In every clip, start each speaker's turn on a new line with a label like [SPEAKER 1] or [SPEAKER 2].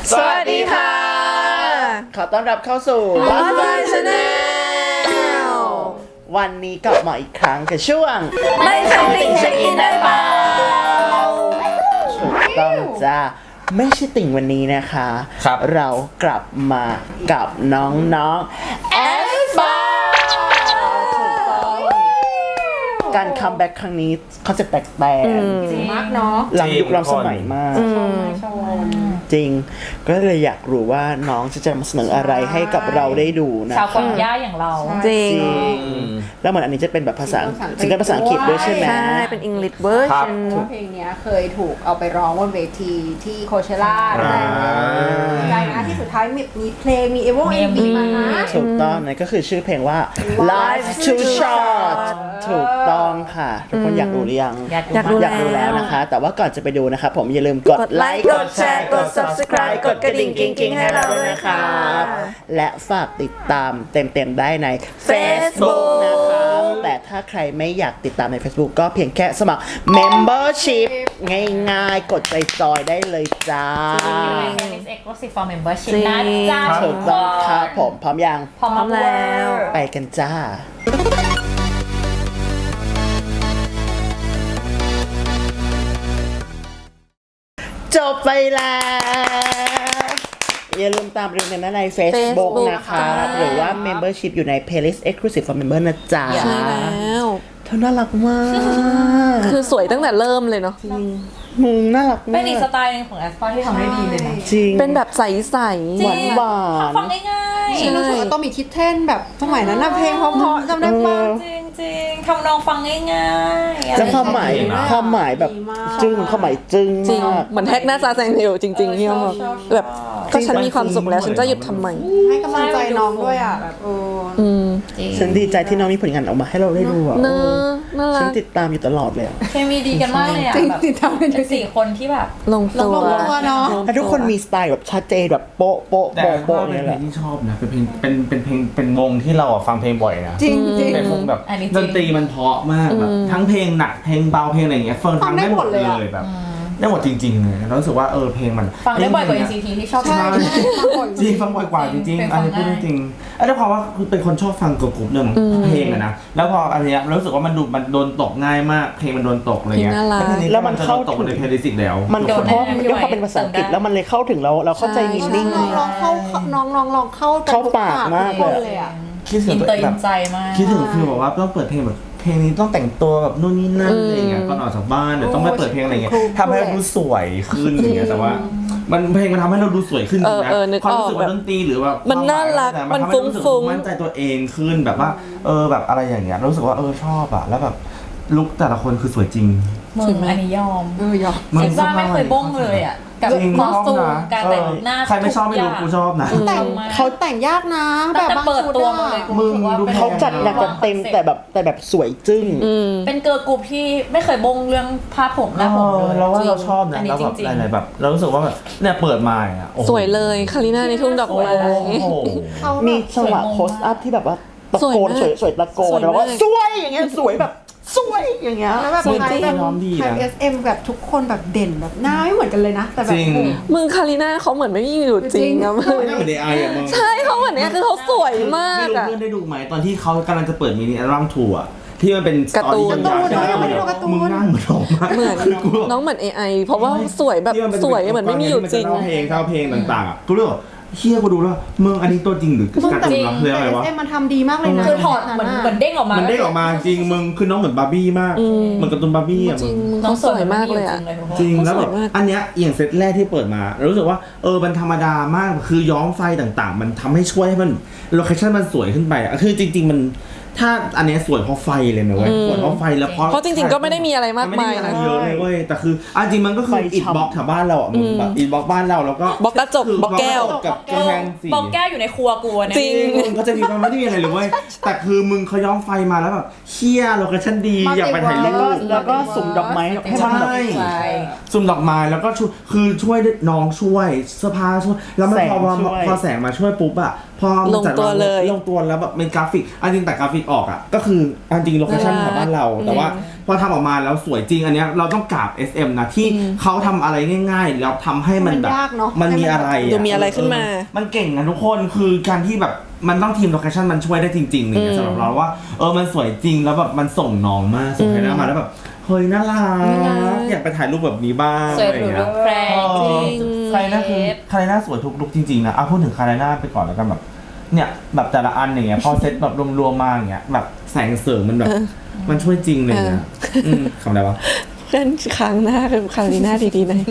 [SPEAKER 1] สวัสดีค่ะขอต้อนรับเข้าสู่
[SPEAKER 2] Lost Channel
[SPEAKER 1] วันนี้กลับมาอีกครั้งกับช่วง
[SPEAKER 2] ไม่ใช่ติ่งเช็คอินได้เปล่า
[SPEAKER 1] ถูกต้องจ้าไม่ใช่ติ่งวันนี้นะคะ
[SPEAKER 3] ครับ
[SPEAKER 1] เรากลับมากับน้องๆแอสปาการคัมแบ็กครั้งนี้เขาจะแปลก
[SPEAKER 2] จริงมากเนาะ
[SPEAKER 1] ๆล้ำยุคล้ำสมัยมาก จริงก็เลยอยากรู้ว่าน้องจะมาเสนออะไรให้กับเราได้ดูนะ
[SPEAKER 4] ชาวกวางย่าอย่างเรา
[SPEAKER 2] จริง
[SPEAKER 1] แล้วเหมือนอันนี้จะเป็นแบบภาษาซิงเกิลภาษาอังกฤษด้วยใช่ไหม
[SPEAKER 2] ใช่ เป็น English version
[SPEAKER 5] เพลงเนี้ยเคยถูกเอาไปร้องบนเวทีที่โคเชล่าได้ใจนะที่สุดท้ายมีเพลงมีMV มานะ
[SPEAKER 1] ถูกต้องนั่นก็คือชื่อเพลงว่า Life Too Short ถูกต้องค่ะทุกคนอยากรู้หรือยัง
[SPEAKER 2] อยากรู้
[SPEAKER 1] อยากรู้แล้วนะคะ แต่ว่าก่อนจะไปดูนะคะผมอย่าลืมกดไลค์กดแชร์กด subscribe กดกระดิ่งกิ๊งๆให้เราด้วยนะครับและฝากติดตามเต็มๆได้ใน Facebook นะคะแต่ถ้าใครไม่อยากติดตามใน Facebook ก็เพียงแค่สมัคร Membership ง่ายๆ กดใจจอยได้เลยจ้า
[SPEAKER 4] Tennis Exclusive for Membership
[SPEAKER 2] จริง
[SPEAKER 4] นะจ้า
[SPEAKER 1] ถูกต้องครับผมพร้อมยัง
[SPEAKER 4] พร้อมแล้ว
[SPEAKER 1] ไปกันจ้า จบไปแล้ว อย่าลืมตามเรียนกันได้ใน Facebook นะคะ หรือว่า Membership อยู่ใน Playlist Exclusive for Member นะจ๊ะ
[SPEAKER 2] ใช่แล้ว
[SPEAKER 1] เธอน่ารักมาก
[SPEAKER 2] คือสวยตั้งแต่เริ่มเลยเนาะ
[SPEAKER 1] มึงน่ารัก
[SPEAKER 4] เป็
[SPEAKER 1] มาน
[SPEAKER 4] อีกส
[SPEAKER 1] ก
[SPEAKER 4] ไตล์หนึงของแอสปาที่ทำได้ดีเลยนะ
[SPEAKER 1] จริง
[SPEAKER 2] เป็นแบบใส
[SPEAKER 1] หวานหวาน
[SPEAKER 4] ฟังง่าย
[SPEAKER 2] ใช่
[SPEAKER 5] รู้สึกว่าต้องมีคิดเท่นแบบสมัยนั้นนะเพลงเพราะๆจำได้ปะ
[SPEAKER 4] ๆจริงๆทำนองฟังง่ายๆ
[SPEAKER 1] แล้วความหมาย
[SPEAKER 3] ดีมาก
[SPEAKER 1] ความหมายแบบ
[SPEAKER 5] ดีมาก
[SPEAKER 1] จึ้งความหมายจึ้ง
[SPEAKER 2] ๆ จริง
[SPEAKER 1] มาก
[SPEAKER 2] เหมือนแฮกหน้าซาแซงเทลจริงๆที่เขาบอกแบบก็ฉันมีความสุขแล้วฉันจะหยุดทำไม
[SPEAKER 5] ให้กำลังใจน้องด้วยอ่ะแบบ
[SPEAKER 4] จริง
[SPEAKER 1] ฉันดีใจที่น้องมีผลงานออกมาให้เราได้ดูอ่ะ
[SPEAKER 2] เนอะน่ารั
[SPEAKER 1] ฉัน
[SPEAKER 2] ก
[SPEAKER 1] ติดตามอยู่ตลอดเลยอะ
[SPEAKER 4] เคมีดีกันมากเลยอ่ะ
[SPEAKER 5] จริง
[SPEAKER 4] แบบ
[SPEAKER 5] ติดตามกัน
[SPEAKER 4] เป็นสี่คนที่แบบ
[SPEAKER 2] ลงตัว
[SPEAKER 5] ลงตัวเนาะ
[SPEAKER 1] แล้วทุกคนมีสไตล์แบบชัดเจนแบบโป๊ะโป๊ะ
[SPEAKER 3] แต่
[SPEAKER 1] โป๊ะ
[SPEAKER 3] ก็
[SPEAKER 1] โป๊ะ
[SPEAKER 3] เป็
[SPEAKER 1] เนี่
[SPEAKER 3] น
[SPEAKER 1] ย
[SPEAKER 3] เพ
[SPEAKER 1] แห
[SPEAKER 3] ล
[SPEAKER 1] ละ
[SPEAKER 3] งที่ชอบนะเป็นเพลงเป็นวงที่เราอะฟังเพลงบ่อยนะ
[SPEAKER 5] จริงจริง
[SPEAKER 3] เป็นวงแบบ
[SPEAKER 4] อันนี้จริง
[SPEAKER 3] ดนตรีมันเพราะมากแบบทั้งเพลงหนักเพลงเบาเพลงอะไรอย่างเงี้ยเฟิร์นฟังได้หมดเลยแบบได้หมดจริงๆเลยแล้วรู้สึกว่าเพลงมัน
[SPEAKER 4] ฟังได้บ่อยกว่า NCT ที่ชอบ
[SPEAKER 5] ใช่
[SPEAKER 4] มาก
[SPEAKER 3] จริงฟังบ่อยกว่าจริง
[SPEAKER 4] เพลง
[SPEAKER 3] ๆอันนี้
[SPEAKER 4] ฟัง
[SPEAKER 3] พูด
[SPEAKER 4] ง่าย
[SPEAKER 3] จริงๆแล้วเพราะว่าคือเป็นคนชอบฟังเกิร์ลกรุ๊ปเรื่องเพลงอะนะแล้วพออันเนี้ยรู้สึกว่ามันโดนตกง่ายมากเพลงมันโดนตกอะไรเงี้ย
[SPEAKER 2] เพลงน่ารัก
[SPEAKER 1] แล้วมันเข้า
[SPEAKER 3] ตกในเพลย์ลิสต์แล้ว
[SPEAKER 1] มันเพราะด้วยความเป็นภาษาอังกฤษแล้วมันเลยเข้าถึงเราเข้าใจมินนิ่ง
[SPEAKER 5] น้องลองเข้าน้องลองเข้า
[SPEAKER 1] เข้าปากมาก
[SPEAKER 5] ทุ
[SPEAKER 1] เลย
[SPEAKER 5] เลยอ่ะ
[SPEAKER 3] คิดถึ
[SPEAKER 4] อิ
[SPEAKER 3] ง
[SPEAKER 4] น
[SPEAKER 3] ตัว
[SPEAKER 4] เตอ
[SPEAKER 3] เอ
[SPEAKER 4] ร์
[SPEAKER 3] ง
[SPEAKER 4] อิ
[SPEAKER 3] แบ
[SPEAKER 4] น
[SPEAKER 3] บ
[SPEAKER 4] ใจมาก
[SPEAKER 3] คิดถึงคือแบบว่าต้องเปิดเพลงแบบเพลงนี้ต้องแต่งตัวแบบนู่นนี่นั่นอะไรเงี้ยก่อนออกจากบ้านเดี๋ยวต้องไปเปิดเพลงอะไรเงี้ยทำให้เราดูสวยขึ้นอย่างเงี้ยแต่ว่ามันเพลงมันทำให้เราดูสวยขึ้นจริงนะ
[SPEAKER 2] นึก
[SPEAKER 3] ความ
[SPEAKER 2] ออก
[SPEAKER 3] รู้สึกว่าดนตรีหรือว่า
[SPEAKER 2] มันน่ารัก
[SPEAKER 3] มันทำให้รู้สึก
[SPEAKER 2] ฟุ้งๆ
[SPEAKER 3] มั่นใจตัวเองขึ้นแบบว่าแบบอะไรอย่างเงี้ยรู้สึกว่าชอบอะแล้วแบบลุคแต่ละคนคือสวยจริง
[SPEAKER 4] มึงอันนี้ยอม
[SPEAKER 5] ยอม
[SPEAKER 4] เอ็กซ่าไม่เคยบ้งเลยอ่ะกับ
[SPEAKER 3] จริง
[SPEAKER 4] คอสตูม
[SPEAKER 3] ชอบนะ
[SPEAKER 4] การแต่งหน้า
[SPEAKER 3] ใครไม่ชอบไม่รู้
[SPEAKER 4] ทุ
[SPEAKER 3] กู
[SPEAKER 4] ก
[SPEAKER 3] ชอบนะ
[SPEAKER 5] แต่งเขาแต่งยากนะแบ
[SPEAKER 4] ตั้ง
[SPEAKER 5] บ
[SPEAKER 4] แต่
[SPEAKER 5] บาง
[SPEAKER 4] เปิด
[SPEAKER 5] ชุด
[SPEAKER 4] ตัว
[SPEAKER 5] อะ
[SPEAKER 4] มาเลยกู
[SPEAKER 3] มึง
[SPEAKER 4] รู้สึกว่า
[SPEAKER 3] ดู
[SPEAKER 4] เป็น
[SPEAKER 1] เขาจัดหนักจัดเต็มแต่แบบสวยจึ้ง
[SPEAKER 4] เป็นเกิร์ลกรุ๊ปที่ไม่เคยบ้งเรื่องผ้าผมหน้าผมเลย
[SPEAKER 3] เราว่าเราชอบนะ
[SPEAKER 4] อันนี้
[SPEAKER 3] แล้วแบบ
[SPEAKER 4] จริงๆ
[SPEAKER 3] อะไรแบบเรารู้สึกว่าแบบเนี่ยเปิดมาอ่ะโอ้โห
[SPEAKER 2] สวยเลยคาริน่าในทุ่งดอกไม้
[SPEAKER 3] โอ้โห
[SPEAKER 5] เขาแบบ
[SPEAKER 1] มีจังหวะโพสอัพที่แบบว่าตะโกน
[SPEAKER 2] สวยมาก
[SPEAKER 1] สวยตะโก
[SPEAKER 2] ส
[SPEAKER 1] น
[SPEAKER 2] วยมาก
[SPEAKER 1] แล้วก็สวยอย่างเงี้ยสวยแบบสวยอย่างเงี้ย
[SPEAKER 5] แล้วแบบ
[SPEAKER 3] จริง
[SPEAKER 5] ไทยแบบ
[SPEAKER 3] น้องดีนะ
[SPEAKER 5] ไทย SM แบบทุกคนแบบเด่นแบบหน้าไม่เหมือนกันเลยนะ แต่แบบ
[SPEAKER 3] จริง
[SPEAKER 2] มึงคาริน่าเขาเหมือนไม่มีอยู่จริงอะมึง
[SPEAKER 3] ไม่เหมือนในไออะมึง
[SPEAKER 2] ใช่เขาเหมือนเนี้ยคือเขาสวยมาก
[SPEAKER 3] ไม่รู้
[SPEAKER 2] อะ
[SPEAKER 3] เพื่อนได้ดูไหมตอนที่เขากำลังจะเปิดมินิอัลบั้มทัวร์ที่มันเป็น
[SPEAKER 2] การ์ตูน
[SPEAKER 3] สตอรี่ยาวๆ มึงนั่งเหมือนน้องมาก
[SPEAKER 2] เหมือน
[SPEAKER 3] คือกูแบบ
[SPEAKER 2] น้องเหมือน AI เพราะว่าสวยแบบ
[SPEAKER 3] ที่นป็
[SPEAKER 2] สวยเหมือนไม่มีอยู่จริง
[SPEAKER 3] ที่มันจะเล่าเพลงต่างๆอะกูเลยบอกเฮียกูดูแล้วมึงอันนี้ตัวจริงหรือการ์ตูนวะเรื่องอะไรวะ
[SPEAKER 5] SM มันทำดีมากเลยนะ
[SPEAKER 4] คือถอดเหมือนเด้งออกมา
[SPEAKER 3] มันได้ออกมาจริงมึงคือน้องเหมือนบาร์บี้มากเหมือนการ์ตูนบาร์บี้อะ
[SPEAKER 2] จ
[SPEAKER 3] มึ
[SPEAKER 2] ริ
[SPEAKER 3] ง
[SPEAKER 2] งมึงเขาสวยมากเลยอะ
[SPEAKER 3] จริงแล้วแบบ
[SPEAKER 2] สวยมาก
[SPEAKER 3] อันเนี้ยอย่างเซตแรกที่เปิดมารู้สึกว่ามันธรรมดามากคือย้อมไฟต่างๆ มันทำให้ช่วยให้มันโลเคชั่นมันสวยขึ้นไปอะคือจริง ๆมันถ้าอันเนี้ยสวยเพราะไฟเลยนะเว้ยสวยเพราะไฟแล้ว
[SPEAKER 2] เพราะจริงๆก็ไม่ได้มีอะไรมากมาย
[SPEAKER 3] ไได้
[SPEAKER 2] นะ
[SPEAKER 3] เยอะเลยเว้ยแต่คือจริงมันก็คือ
[SPEAKER 1] ไฟ
[SPEAKER 3] อิฐ
[SPEAKER 1] ฉ่ำ
[SPEAKER 3] บล็อกแถวบ้านเราอ่ะมึงแบบอิฐบล็อกบ้านเราแล้วก็
[SPEAKER 2] บล็อกกระจก
[SPEAKER 3] คื
[SPEAKER 2] บล็อกแก้ว
[SPEAKER 3] กับกำแพงสี
[SPEAKER 4] บอกแก้วอยู่ในครัวกูเนี่ย
[SPEAKER 2] จริง
[SPEAKER 3] มึงเขาจะมีความไม่ได้มีอะไรเลยเว้ยแต่คือมึงเขาย้อมไฟมาแล้วแบบเชี่ยโลเคชั่นดีอยากไปถ่ายรู
[SPEAKER 1] แล้ว
[SPEAKER 3] ป
[SPEAKER 1] ก็สุ่มดอกไม้ให้มันแบบ
[SPEAKER 3] ใช่สุ่มดอกไม้แล้วก็คือช่วยน้องช่วยเสื้อผ้าช่วยแล้วมันพอแสงมาช่วยปุ๊บอะพอมันจัด
[SPEAKER 2] ลงตัวเลย
[SPEAKER 3] ลงตัวแล้วแบบเป็นกราฟิกจริงแต่กราฟิกออกอ่ะก็คือจริงโลเคชั่นของบ้านเราแต่ว่าพอทำออกมาแล้วสวยจริงอันเนี้ยเราต้องกราบ SM นะที่เขาทำอะไรง่ายๆแล้วทำให้มันแบบ
[SPEAKER 5] มันยากเนอะ
[SPEAKER 3] มันมีอะไร
[SPEAKER 2] ดูมีอะไรขึ้นมา
[SPEAKER 3] มันเก่งนะทุกคนคือการที่แบบมันต้องทีมโลเคชั่นมันช่วยได้จริงๆเนี่ยสำหรับเราว่ามันสวยจริงแล้วแบบมันส่งน้องมาส่งใครหน้ามาแล้วแบบเฮ้ยน่ารักอยากไปถ่ายรูปแบบนี้บ้าง
[SPEAKER 4] สวย
[SPEAKER 3] อะไร
[SPEAKER 4] หรู
[SPEAKER 3] เงี้
[SPEAKER 4] รู
[SPEAKER 3] ย
[SPEAKER 4] ปแพรง
[SPEAKER 3] ใครน่าคือใครน่าสวยทุกลุกจริงๆนะพูดถึงใครน่าไปก่อนแล้วกันแบบเนี่ยแบบแต่ละอันอย่างเงี้ยพอเซตแบบรวมๆมาอย่างเงี้ยแบบแสงเสริมมันแบบมันช่วยจริงเลยนะคำอะไรวะ
[SPEAKER 2] เพื่อนค้างหน้าคือคาริน่าดีๆหน่อย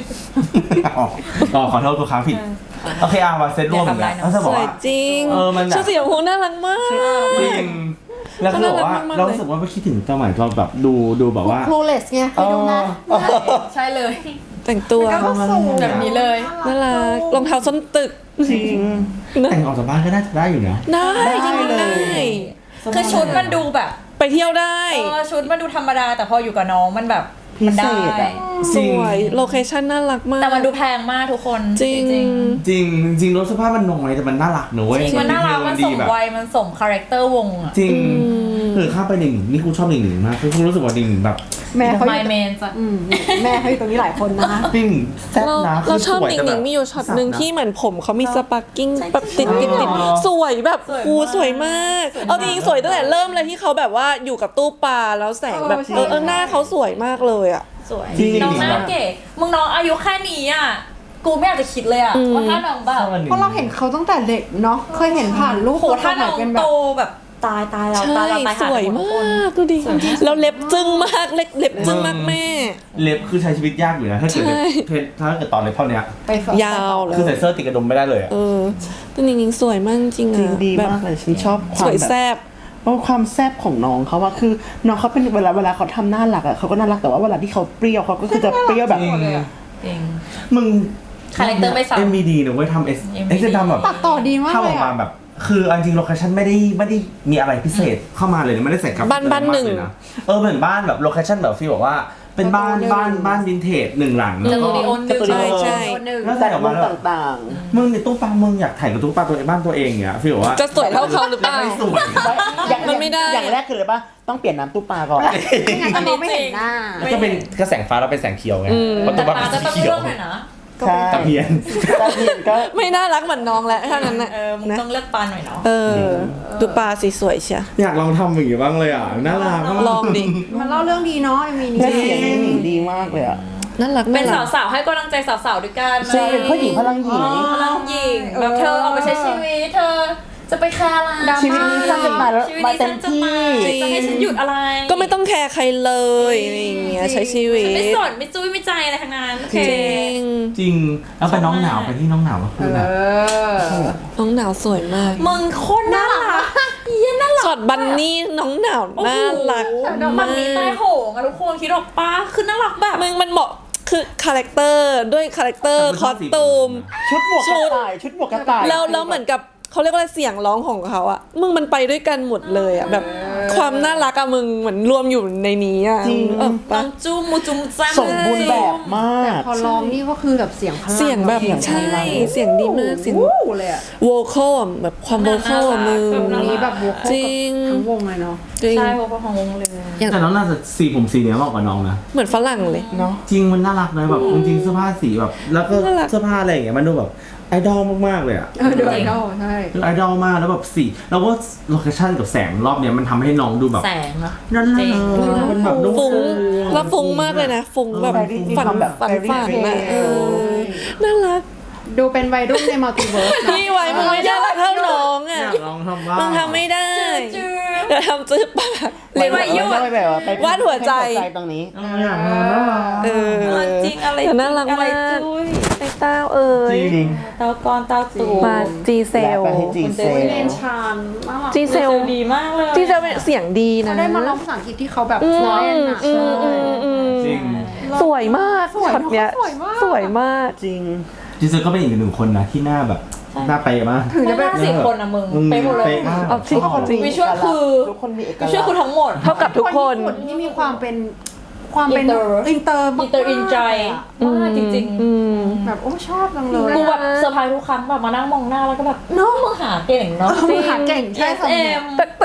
[SPEAKER 3] ขอโทษทุกครั้งผิดโอเคมาเซตรวมอย่างเงี้ยแล้วจะบ
[SPEAKER 2] ส
[SPEAKER 3] อก
[SPEAKER 2] วย
[SPEAKER 3] ว่า
[SPEAKER 2] จริง
[SPEAKER 3] มันแบบ
[SPEAKER 2] ชุดสีชมพูน่ารักมาก
[SPEAKER 3] จริงแล้วคือแบบว่าเรารู้สึกว่าไม่คิดถึงสมัยเราแบบดูแบบว่า
[SPEAKER 5] ครูเลสไงเคยดูนะ
[SPEAKER 4] ใช่เลย
[SPEAKER 2] แต่งตัว
[SPEAKER 5] ก็สวย
[SPEAKER 4] แบบนี้เลย
[SPEAKER 2] น่ารักรองเท้าส้นตึก
[SPEAKER 1] จริง
[SPEAKER 3] แต่งออกจากบ้านก็น่าจะได้อยู่นะ
[SPEAKER 2] ได้จริงๆได้
[SPEAKER 4] คือชุดมันดูแบบ
[SPEAKER 2] ไปเที่ยวได้
[SPEAKER 4] ชุดมันดูธรรมดาแต่พออยู่กับน้องมันแบบ
[SPEAKER 1] พิ
[SPEAKER 4] มัน
[SPEAKER 1] เศ
[SPEAKER 4] ได้
[SPEAKER 1] ษอะ
[SPEAKER 2] สวยโลเคชั่นน่ารักมาก
[SPEAKER 4] แต่มันดูแพงมากทุกคน
[SPEAKER 2] จริง
[SPEAKER 3] จริงรถสภาพมันน้อยแต่มันน่ารักนะเว้ย
[SPEAKER 4] จริงมันน่ารักมันสมวัยมันสมคาแรคเตอร์วงอ่ะ
[SPEAKER 3] จริงคือข้ามไปหนึ่งนี่กูชอบหนึ่งมากคือกูรู้สึกว่าหนึ่งแบบ
[SPEAKER 5] แม่เขาอ
[SPEAKER 4] ไม
[SPEAKER 5] ยู่
[SPEAKER 4] เมนจ้ะ
[SPEAKER 5] แม่เขาอยู่ตรงนี้หลายคนนะ
[SPEAKER 3] จริงแซ่บนะ
[SPEAKER 2] เราชอบ
[SPEAKER 3] สวย
[SPEAKER 2] หนิง
[SPEAKER 3] แต่
[SPEAKER 2] ห
[SPEAKER 3] แบ
[SPEAKER 2] นิ
[SPEAKER 3] บ
[SPEAKER 2] งมีอยู่ช็อตหนึ่งที่เหมือนผมเขามีสปาร์กิ้งแบบติดสวยแบบสวยมาก เอาจริงๆสวยตั้งแต่เริ่มเลยที่เขาแบบว่าอยู่กับตู้ปลาแล้วแสงแบบหน้าเขาสวยมากเลยอ่ะ
[SPEAKER 4] สวย
[SPEAKER 3] จริง
[SPEAKER 4] น้องหน้าเก๋มึงน้องอายุแค่นี้อ่ะกูไม่อยากจะคิดเลยอ่ะว่าถ้าน้องแบบ
[SPEAKER 5] เพราะเราเห็นเขาตั้งแต่เด็กเนาะเคยเห็นผ่านรูป
[SPEAKER 4] โหถ้าน้อง
[SPEAKER 5] เป็นแบ
[SPEAKER 4] โต
[SPEAKER 5] บ
[SPEAKER 4] แบบตายเรา
[SPEAKER 2] ใช่
[SPEAKER 4] ตายเราตาย
[SPEAKER 2] สวยมากดูดิแล้วเล็บจึ้งมากเล็บจึ้งมากแม่
[SPEAKER 3] เล็บคือใช้ชีวิตยากอยู่นะถ้าเกิด
[SPEAKER 2] ใช่
[SPEAKER 3] ถ้าเกิดตอนเล็บเท่านี้
[SPEAKER 5] ไปฝึก
[SPEAKER 2] ยาวเลย
[SPEAKER 3] คือใส่เสื้อติดกระดุมไม่ได้เลยอะ
[SPEAKER 2] ตัวหนิงสวยมากจริง
[SPEAKER 1] จริง
[SPEAKER 2] อ่ะ
[SPEAKER 1] ดี
[SPEAKER 2] แบบ
[SPEAKER 1] มากเลยฉันชอบค
[SPEAKER 2] ส
[SPEAKER 1] วาม
[SPEAKER 2] วย
[SPEAKER 1] แบบ
[SPEAKER 2] แซ่บ
[SPEAKER 1] เพราะความแซ่บของน้องเขาว่าคือน้องเขาเป็นเวลาเขาทำน่ารักอะเขาก็น่ารักแต่ว่าเวลาที่เขาเปรี้ยวเขาก็คือจะเปรี้ยวแบบ
[SPEAKER 4] จริง
[SPEAKER 3] มึง
[SPEAKER 4] คาแรคเตอร์ไม่ซ้ำ
[SPEAKER 3] MVD นะเว้ยทำ
[SPEAKER 4] MVD
[SPEAKER 3] ทำแบบ
[SPEAKER 5] ตัดต่อดีมาก
[SPEAKER 3] ทำอ
[SPEAKER 5] เล
[SPEAKER 3] อย กมา
[SPEAKER 5] อะ
[SPEAKER 3] แบบคือเอาจริงโลเคชั่นไม่ได้มีอะไรพิเศษเข้ามาเลยนะไม่ได้ใส่กราฟิก
[SPEAKER 2] บ้านหนึ่ง
[SPEAKER 3] อะไรมากเลยนะเหมือนบ้านแบบโลเคชั่นแบบฟีลบอกว่าเป็นบ้านวินเทจหนึ่งหลัง
[SPEAKER 4] สตูดิโอหนึ่ง
[SPEAKER 2] ใช่ใช่
[SPEAKER 3] แล้ว
[SPEAKER 1] แต่
[SPEAKER 3] ใส่ออก
[SPEAKER 1] มุ
[SPEAKER 3] มามแล้ว
[SPEAKER 1] ต่าง
[SPEAKER 3] มึงในตู้ปลามึงอยากถ่ายกับตู้ปลาตัวบ้านตัวเองเนี่ยฟีลว่า
[SPEAKER 2] จะสวยเท่าเขาหรือเปล่า
[SPEAKER 3] ไม่สวย
[SPEAKER 1] ๆอย่าง
[SPEAKER 2] มันไม่ได้
[SPEAKER 1] อย่างแรกคืออะไรปะต้องเปลี่ยนน้ำตู้ปลาก่อน
[SPEAKER 5] ไม่งั้นจะมองไม่เห็นหน้า
[SPEAKER 3] แล้วก็เป็นกระแสงฟ้าแล้วเป็นแสงเขียวไงเพราะ
[SPEAKER 4] แต่
[SPEAKER 3] ตู้ปลา
[SPEAKER 4] ตา
[SPEAKER 3] เป็น
[SPEAKER 4] จะ
[SPEAKER 3] สี
[SPEAKER 4] ต้อง
[SPEAKER 3] เขีย
[SPEAKER 4] เลื
[SPEAKER 3] ว
[SPEAKER 4] อกหน่อยนะ
[SPEAKER 1] ใช่
[SPEAKER 3] ตะเพียน
[SPEAKER 1] ตะเพียนก็
[SPEAKER 2] ไม่น่ารักเหมือนน้องแล้วเท่านั้นน่ะ
[SPEAKER 4] มึง
[SPEAKER 2] นะ
[SPEAKER 4] ต้องเลือกปลาหน่อยเนาะ
[SPEAKER 2] ดูปลาสีสวยเชีย
[SPEAKER 3] อยากลองทำอย่างนี้บ้างเลยอ่ะน่ารัก
[SPEAKER 2] ลองดิ
[SPEAKER 5] มันเล่าเรื่องดีเนาะมี
[SPEAKER 1] และ
[SPEAKER 5] นี่
[SPEAKER 1] เสียงหนิงดีมากเลยอะ
[SPEAKER 2] น่ารัก
[SPEAKER 4] เป็น
[SPEAKER 2] น่ารัก
[SPEAKER 4] สาวๆให้กำลังใจสาวๆด้วยกัน
[SPEAKER 1] ใช่เป็นผู้หญิงพลังหญิง
[SPEAKER 4] พลังหญิงแบบเธอเอาไปใช้ชีวิตเธอจะไปแคร์อะไร
[SPEAKER 1] ชีวิตนี้สร้างขึ้นมาแล้ว
[SPEAKER 4] ชีวิต
[SPEAKER 1] มา
[SPEAKER 4] นี้
[SPEAKER 1] เต็
[SPEAKER 4] ฉั
[SPEAKER 1] ม
[SPEAKER 4] นจะ
[SPEAKER 1] ที่
[SPEAKER 4] ไปจะให้ฉันหยุดอะไร
[SPEAKER 2] ก็ไม่ต้องแคร์ใครเลยอะไรอย่างเงี้ยใช้ชีวิต
[SPEAKER 4] ฉันไม่สนไม่จุ้ยไม่ใจอะไรทั้งนั้นโอเค
[SPEAKER 2] จริง
[SPEAKER 3] จริงแล้วไปน้องหนาวไปที่น้องหนาวก็คือแบบ
[SPEAKER 2] น้องหนาวสวยมาก
[SPEAKER 4] มึงโคตรน่ารักเยี่ยน่ารัก
[SPEAKER 2] ช็อตบันนี่น้องหนาวน่ารัก
[SPEAKER 4] มันมีใต้โหงอะทุกคนคิดออกปะคือน่ารักแบบ
[SPEAKER 2] มันเหมาะคือคาแรคเตอร์ด้วยคาแรคเตอร์คอสตูม
[SPEAKER 1] ชุดหมวกกระต่ายชุดหมวกกระต่าย
[SPEAKER 2] แล้วเหมือนกับเขาเรียกว่าอะไรเสียงร้องของเขาอะมึงมันไปด้วยกันหมดเลยอะแบบความน่ารักอะมึงเหมือนรวมอยู่ในนี้อะเออ
[SPEAKER 4] น้
[SPEAKER 2] ปะ
[SPEAKER 4] องจุ้มมูจุ้มจ้า
[SPEAKER 1] สมบูรณ์แบบมาก
[SPEAKER 5] พอร้องนี่ก็คือแบบเสียงพลัง
[SPEAKER 2] เสียงแบบใช่เสียงดีมากเสียง
[SPEAKER 5] วู้เลยอะ
[SPEAKER 2] โวคอลอะแบบความโวคอลอะมึง
[SPEAKER 5] ตรงนี้แบบวก
[SPEAKER 2] จริง
[SPEAKER 5] ทั้งวงเลยเนาะ
[SPEAKER 2] จริง
[SPEAKER 4] ใช่เพราะว่าของวงเลย
[SPEAKER 3] แต่น้องน่าจะสีผมสีเนี้ยเหมาะกับน้องนะ
[SPEAKER 2] เหมือนฝรั่งเลย
[SPEAKER 1] เนาะ
[SPEAKER 3] จริงมันน่ารักนะแบบจริงๆเสื้อผ้าสีแบบ แล้วก็
[SPEAKER 2] น่ารัก
[SPEAKER 3] เสื้อผ้าอะไรอย่างเงี้ยมันดูแบบไอดอลมากๆเลยอ่ะ
[SPEAKER 5] เดี๋ยวไอดอลใช่
[SPEAKER 3] คือไอดอลมากแล้วแบบสีแล้วก็โลเคชั่นกับแสงรอบเนี้ยมันทำให้น้องดูแบบ
[SPEAKER 4] แสงอะ
[SPEAKER 3] นั่นแหละมันแบบดู
[SPEAKER 2] ฟุ้งแล้วฟุ้งมากเลยนะฟุ้งแบบฝันอะน่ารัก
[SPEAKER 5] ดูเป็นวัยรุ่นในมัลติเวิร์สเนาะ
[SPEAKER 2] พี่ไว้มึงไม่ได้รักเท่าน้อง
[SPEAKER 3] อ
[SPEAKER 2] อะ
[SPEAKER 3] ยากลองทำบ้าง
[SPEAKER 2] มึงทำไม่ได้
[SPEAKER 4] จื้อ
[SPEAKER 2] เดี๋ยวทำจื้อปาก
[SPEAKER 4] เรียกว่าหยุด
[SPEAKER 1] ไปแบบว่าไป
[SPEAKER 2] วาดหัวใจ
[SPEAKER 1] ตรงนี้
[SPEAKER 3] อยากลองน่ารัก
[SPEAKER 4] จริงอะไร
[SPEAKER 2] แต่น่ารัก
[SPEAKER 4] อะไร
[SPEAKER 2] มาก
[SPEAKER 4] จุ้ย
[SPEAKER 2] ไอ้เต้าเอ้ย
[SPEAKER 3] จริง
[SPEAKER 4] เตากอนเตาตู
[SPEAKER 2] มาจีเซล
[SPEAKER 1] และไปให้จีเซล
[SPEAKER 5] เรนชานน่ารัก
[SPEAKER 2] จีเซล
[SPEAKER 4] ดีมากเลย
[SPEAKER 2] จีเซลเป็นเสียงดีนะ
[SPEAKER 5] เขาได้มาร้องภาษาอังกฤษที่เขาแบบฟลอยน์อะ
[SPEAKER 3] จริง
[SPEAKER 2] สวยมาก
[SPEAKER 5] สวย
[SPEAKER 2] ช็อตเนี้ย
[SPEAKER 5] สวยมาก
[SPEAKER 2] สวยมาก
[SPEAKER 1] จริง
[SPEAKER 3] จริงๆก็เป็นอีกหนึ่งคนนะที่หน้าแบบหน้าเป๊ะมาก
[SPEAKER 5] ถึง
[SPEAKER 4] ไม่
[SPEAKER 5] จะเป็น
[SPEAKER 4] น่าสี่คนอะมึงไปหมดเลย
[SPEAKER 3] เป๊ะมาก
[SPEAKER 2] เอาจริง
[SPEAKER 1] ทุกคนมี
[SPEAKER 4] วิชวลคือ
[SPEAKER 1] ทุกคนมีเอก
[SPEAKER 4] วิ
[SPEAKER 1] ลักษณ์
[SPEAKER 4] ชวลคือทั้งหมด
[SPEAKER 2] เท่ากับทุกคน
[SPEAKER 5] ญี่ปุ่ที่มีความเป็นอินเตอร์
[SPEAKER 4] อินเตอร์อินใจมากจริง
[SPEAKER 5] แบบโอ้ชอบจังเลย
[SPEAKER 4] ๆกูแบบเซอร์ไพรส์ทุกครั้งแบบมานั่งมองหน้าแล้วก็แบบน้องมึงหาเก่งเนาะ
[SPEAKER 5] มึงหาเก่งใช่
[SPEAKER 4] เอ็ม
[SPEAKER 2] แต่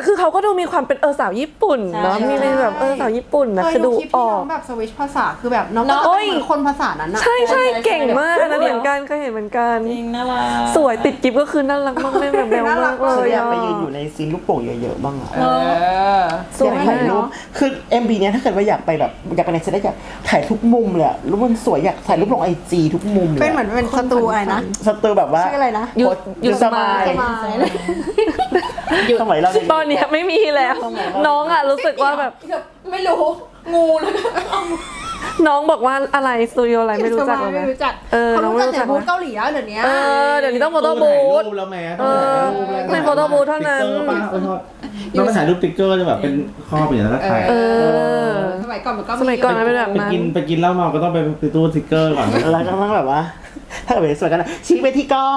[SPEAKER 2] แต่คือเขาก็ดูมีความเป็นสาวญี่ปุ่นเนาะ
[SPEAKER 4] ใช่
[SPEAKER 2] มีเป็นแบบสาวญี่ปุ่นนะคือดู
[SPEAKER 5] คลิป
[SPEAKER 2] อ
[SPEAKER 5] ที่
[SPEAKER 2] อ
[SPEAKER 5] น้
[SPEAKER 2] ก
[SPEAKER 5] องแบบสวิชภาษาคือแบบน้องก็
[SPEAKER 2] โอ้
[SPEAKER 5] จะ
[SPEAKER 2] ย
[SPEAKER 5] เป็นคนภาษานั้นอะ
[SPEAKER 2] ใช่ใช่เก่งมากอันนั้นเหมือนกันเคยเห็นเหมือนกัน
[SPEAKER 4] จริงน่ารัก
[SPEAKER 2] สวยติดกิฟก็คือน่ารักมากแม่แบบแนวมากเล
[SPEAKER 1] ฉัน
[SPEAKER 2] ย
[SPEAKER 1] อยาก
[SPEAKER 2] อะ
[SPEAKER 1] ไปยืนอยู่ในซีนลูกโป่งเยอะๆบ้างอะ
[SPEAKER 5] เออ
[SPEAKER 2] สวย
[SPEAKER 1] อยากถ่ายรูปคือ MV เนี้ยถ้าเกิดว่าอยากไปแบบอยากไปในเซตได้อยากถ่ายทุกมุมเลยอะรูปมันสวยอยากถ่ายรูปลงIG ทุกมุมเลย
[SPEAKER 5] เป็นเหมือนเป็นสตูอะไรนะ
[SPEAKER 1] สตูแบบว่า
[SPEAKER 5] ชื่ออะไรนะ
[SPEAKER 2] หยุดสมาย
[SPEAKER 5] สมายเลย
[SPEAKER 1] สมัยเราเด็กๆ
[SPEAKER 2] ตอนเนี้ยไม่มีแล้ว น้องอะรู้สึกว่าแบบ
[SPEAKER 4] ไม่รู้งูแล้วก็
[SPEAKER 2] น้องบอกว่าอะไรสตูดิโออะไรไม่รู้จักเลย
[SPEAKER 5] ไม่
[SPEAKER 2] นะ
[SPEAKER 5] รู้จัก
[SPEAKER 2] น้
[SPEAKER 5] เขา
[SPEAKER 2] อง
[SPEAKER 5] รู้
[SPEAKER 2] ไม่
[SPEAKER 5] จัก
[SPEAKER 2] รู้
[SPEAKER 5] แต่
[SPEAKER 2] จัก
[SPEAKER 5] บูธเกาหลีแล้วเดี๋ยวนี้
[SPEAKER 2] เดี๋ยวนี้ต้องโฟโต้บูธ
[SPEAKER 3] ถ่ายรูปแล้วแม่
[SPEAKER 2] เป็นโฟโต้บูธเท่านั้น
[SPEAKER 3] ต้องไปถ่ายรูปติ๊กเกอร์จะแบบเป็นข้อเป็นอย่างนั้นแล้วถ่าย
[SPEAKER 5] สมัยก่อนมันก็
[SPEAKER 2] สมัยก่อนมันเป็นแบบ
[SPEAKER 3] ไปกินเหล้าเมาก็ต้องไปตู้ติ๊กเกอร์ก่อน
[SPEAKER 1] แล้วก็ต้องแบบว่า ถ้าเกิดเป็นสวยกันนะชี้ไปที่กล้อง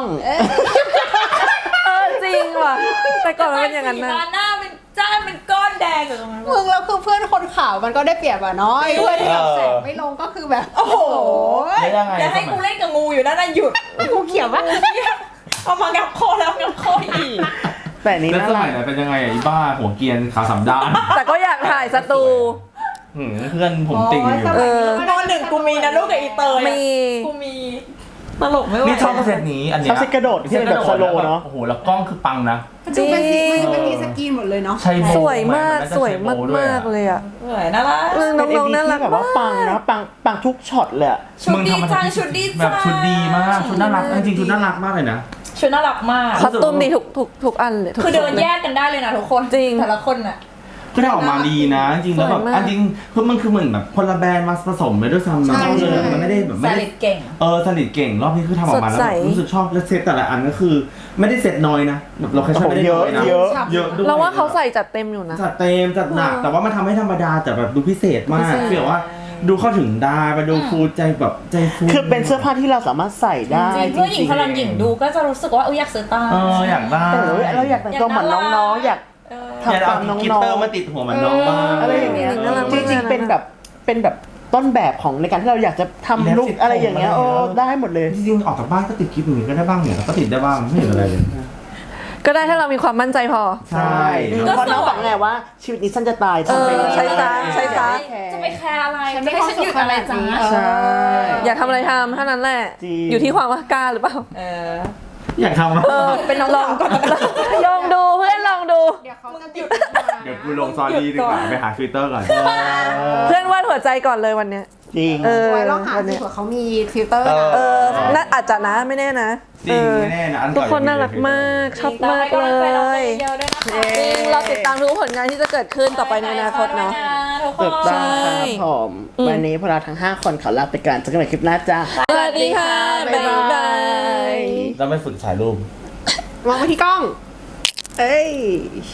[SPEAKER 2] จริงว่ะแต่ก่อนมันเป็นอย่างนั้นนะ
[SPEAKER 4] สีหน้าเป็นจ้านเป็นก้อนแดงอยู่ตรงนั้น
[SPEAKER 5] มึงแล้วคือเพื่อนคนขาวมันก็ได้เปรียบอะเนาะไอ้เพื่อนที่แบบแสงไม่ลงก็คือแบบโอ้โห
[SPEAKER 3] ไม่ได้ไง
[SPEAKER 4] จะให้กูเล่นกับงูอยู่นั่นน่ะหยุด
[SPEAKER 5] กูเขียวว่า
[SPEAKER 4] เอามางับคอแล้วงับคออีก
[SPEAKER 1] แต่อันนี้
[SPEAKER 3] แล้ว
[SPEAKER 1] น่า
[SPEAKER 3] ส
[SPEAKER 1] รั
[SPEAKER 3] มั
[SPEAKER 1] ก
[SPEAKER 3] ยไหนเป็นยังไงอ่ะอีบ้าหัวเกรียนขาสามด้าน
[SPEAKER 2] แต่ก็อยากถ่ายสตู
[SPEAKER 3] เพื่อนผมติ่งอยู่
[SPEAKER 4] มหนึ่งกูมีนะลูกกับอีเตย
[SPEAKER 2] มี
[SPEAKER 4] กูมีตลกไม่ไหว
[SPEAKER 3] นี่ชอบเซตนี้อันเนี้
[SPEAKER 1] ชอบเซ็ตกระโดดที่เป็นแบบสโลว์เนาะ
[SPEAKER 3] โอ้โหแล้วกล้องคือปังนะ
[SPEAKER 5] มันจะเป็นสีมันจะเป็นมีสกรีนหมดเลยเนาะ
[SPEAKER 3] ใช่โบ
[SPEAKER 2] สวยมากสวยมากมากเลยอ่ะ
[SPEAKER 4] สวยน่ารัก
[SPEAKER 2] น้องๆน่ารัก
[SPEAKER 1] แบบว่าปังนะปังทุกช็อตเลยอะ
[SPEAKER 4] ชุดดีจังชุดดีจัง
[SPEAKER 3] แบบชุดดีมากชุดน่ารักจริงๆชุดน่ารักมากเลยนะ
[SPEAKER 4] ชุดน่ารักมาก
[SPEAKER 2] คอสตูมดีทุกอันเลยทุก
[SPEAKER 4] คือเดิน
[SPEAKER 2] ชุล
[SPEAKER 4] แยกกันได้เลยนะทุกคน
[SPEAKER 2] จริง
[SPEAKER 4] แต่ละคนน่ะ
[SPEAKER 3] ก็ได้ออกมาดีนะ จริงๆแล้วแบบ
[SPEAKER 2] สวยมาก
[SPEAKER 3] อันจริงคือมันคือเหมือนแบบคนละแบรนด์มาผสมไปด้วยซ้ำนะเลยมันไม่ได้แบบ
[SPEAKER 4] ส
[SPEAKER 3] ไม่ได้
[SPEAKER 4] ลิดเก่ง
[SPEAKER 3] สนิทเก่งรอบนี้คือทำออกมาแล้ว
[SPEAKER 2] สดใส
[SPEAKER 3] แบบรู้สึกชอบแล้วเซตแต่ละอันก็คือ ไม่ได้เซตน้อยนะแบบเราแค่ชอบไม่ได้น้อยนะ
[SPEAKER 1] เยอะ
[SPEAKER 3] เยอะด้วย
[SPEAKER 2] เราว่าเขาใส่จัดเต็มอยู่นะ
[SPEAKER 3] จัดเต็มจัดหนักแต่ว่ามันทำให้ธรรมดาแต่แบบดูพิเศษมาก
[SPEAKER 2] พิเศษ
[SPEAKER 3] คือแบบว่าดูเข้าถึงได้มาดูฟูใจแบบใจฟู
[SPEAKER 1] คือเป็นเสื้อผ้าที่เราสามารถใส่ได้
[SPEAKER 4] จริงเพื่อหญิงพลังหญิงดูก็จะรู้สึกว่าอยากซื้อตาม
[SPEAKER 3] อยากได้
[SPEAKER 1] แต่เราอยากแต่งตัวเหมือนน้องๆอยาก
[SPEAKER 3] อยาก
[SPEAKER 1] ทำ
[SPEAKER 3] เอา
[SPEAKER 1] ตามน้
[SPEAKER 3] กิต
[SPEAKER 1] อง
[SPEAKER 3] เตอร์มาติดหัวมันน้องบ้าง
[SPEAKER 1] ๆอะไรอย่างเงี้ย
[SPEAKER 2] น่ารัก
[SPEAKER 1] จ
[SPEAKER 2] มาก
[SPEAKER 1] ริงๆเป็นแบบต้นแบบของในการที่เราอยากจะทำลุคอะไรอย่างเงี้ยโอ้ได้หมดเลย
[SPEAKER 3] จริงๆออกจากบ้านก็ติดคลิปอย่างนี้ก็ได้บ้างเนี่ยก็ติดได้บ้างไม่เห็นอะไรเลย
[SPEAKER 2] ก็ได้ถ้าเรามีความมั่นใจพอ
[SPEAKER 3] ใช่
[SPEAKER 1] เพราะน้องบอกไงว่าชีวิตนี้สั้นจะตายทำไป
[SPEAKER 2] ใช้ซะใช้ซะ
[SPEAKER 4] จะไปแคร์อะไร
[SPEAKER 5] ฉัน
[SPEAKER 4] จะ
[SPEAKER 5] ไม่
[SPEAKER 4] ให้ฉันหยุดอะไรจ้า
[SPEAKER 1] ใช่
[SPEAKER 2] อยากทำอะไรทำเท่านั้นแหละ
[SPEAKER 1] จริง
[SPEAKER 2] อยู่ที่ความกล้าหรือเปล่า
[SPEAKER 3] อยากทำ
[SPEAKER 4] เป็นน้อง
[SPEAKER 2] ลองลองดูเพื่อนลองดู
[SPEAKER 5] เดี๋ยวเขาจะหยุด
[SPEAKER 3] เดี๋ยวกูลงซอรี่ดีกว่าไปหาฟิลเตอร์ก่อน
[SPEAKER 2] เพื่อนวาดหัวใจก่อนเลยวันเนี้ย
[SPEAKER 1] จริง
[SPEAKER 5] ไว้ลองหาดูเผื่อเขามีฟิลเตอร์นะ
[SPEAKER 2] น่าอาจจะนะไม่แน่นะ
[SPEAKER 3] จริงไม่แน่นะอัน
[SPEAKER 2] ทุ
[SPEAKER 3] ก่
[SPEAKER 2] กคนน่ารักมากชอบมากเลย
[SPEAKER 4] เยอะด้วยนะคะ
[SPEAKER 2] จริงเราติดตามทุกผลงานที่จะเกิดขึ้นต่อไปในอนาคตเนาะ
[SPEAKER 4] ทุกค
[SPEAKER 1] ถู
[SPEAKER 4] น
[SPEAKER 1] กต้องครับผมวันนี้พวกเราทั้ง 5 คนขอลาไปก่อนเจอกันใหม่คลิปหน้าจ้า
[SPEAKER 2] สวัสดีค่ะ บ๊ายบาย
[SPEAKER 3] เราไปฝึกถ่ายรูป
[SPEAKER 5] มองไปที่กล้อง
[SPEAKER 1] เอ้ย